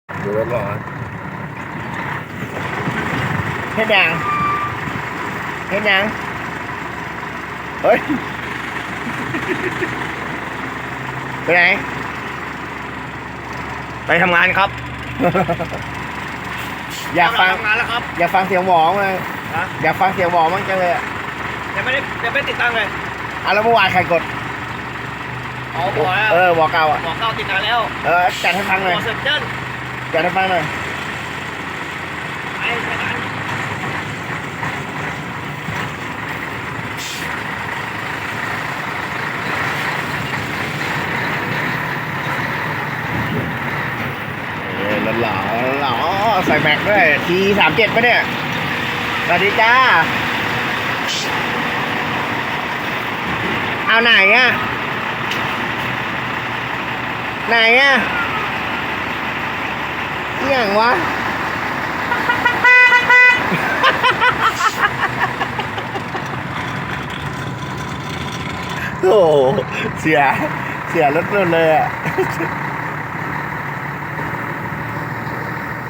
ดูรถก่อนเฮ็ดยังเฮ็ดยังเฮ้ยไปไหนไปทำงานครับอยากฟังทำงานแล้วครับอยากฟังเสียงหวอมั้งฮะอยากฟังเสียงหวอมั้งจังเลยอะยังไม่ติดตั้งเลยแล้วเมื่อวานใครกดอ๋อบอกแล้วหวอเก่าอ่ะบอกเข้าติดนานแล้วจัดให้ฟังหบน่อยอกเสร็จเจิ้นจัดให้ฟังหน่อยไปกันหล่อหล่อใส่แม็กด้วยT37ปะเนี่ยสวัสดีจ้าเอาไหนอ่ะไหนอ่ะอหย่างวะ โอ้โหเสียรถเลยอ่ะ